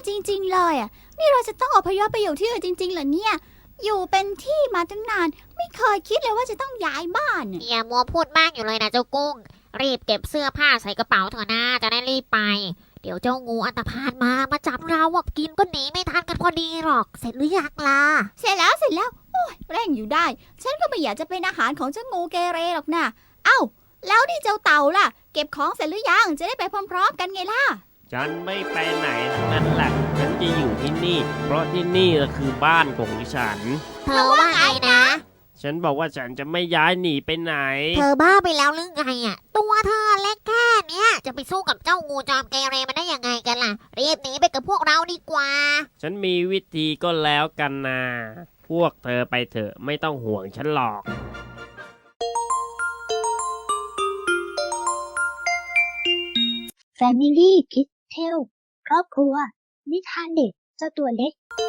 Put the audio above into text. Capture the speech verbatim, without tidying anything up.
จริงๆเลยอ่ะนี่เราจะต้องอพยพไปอยู่ที่อื่นจริงๆเหรอเนี่ยอยู่เป็นที่มาตั้งนานไม่เคยคิดเลยว่าจะต้องย้ายบ้านน่ะอย่ามัวพูดมากอยู่เลยนะเจ้ากุ้งรีบเก็บเสื้อผ้าใส่กระเป๋าเถอะนะจะได้รีบไปเดี๋ยวเจ้างูอันธพาลมามาจับเราอ่ะกินก็หนีไม่ทันกันพอดีหรอกเสร็จหรือยังล่ะเสร็จแล้วเสร็จแล้วโอ้ยเร่งอยู่ได้ ฉันก็ไม่อยากจะเป็นอาหารของเจ้างูเกเรหรอกนะเอ้าแล้วนี่เจ้าเต่าล่ะเก็บของเสร็จหรือยังจะได้ไปพร้อมๆกันไงล่ะฉันไม่ไปไหนทั้งนั้นแหละฉันจะอยู่ที่นี่ เพราะที่นี่ก็คือบ้านของฉันเธอว่าไงนะฉันบอกว่าฉันจะไม่ย้ายหนีไปไหนเธอบ้าไปแล้วหรือไงอ่ะตัวเธอเล็กแค่เนี้ยจะไปสู้กับเจ้างูจอมเกเรมันได้ยังไงกันล่ะรีบหนีไปกับพวกเราดีกว่าฉันมีวิธีก็แล้วกันนะพวกเธอไปเถอะไม่ต้องห่วงฉันหรอก Family Kids Tale ครอบครัวนิทานเด็กเจ้าตัวเล็ก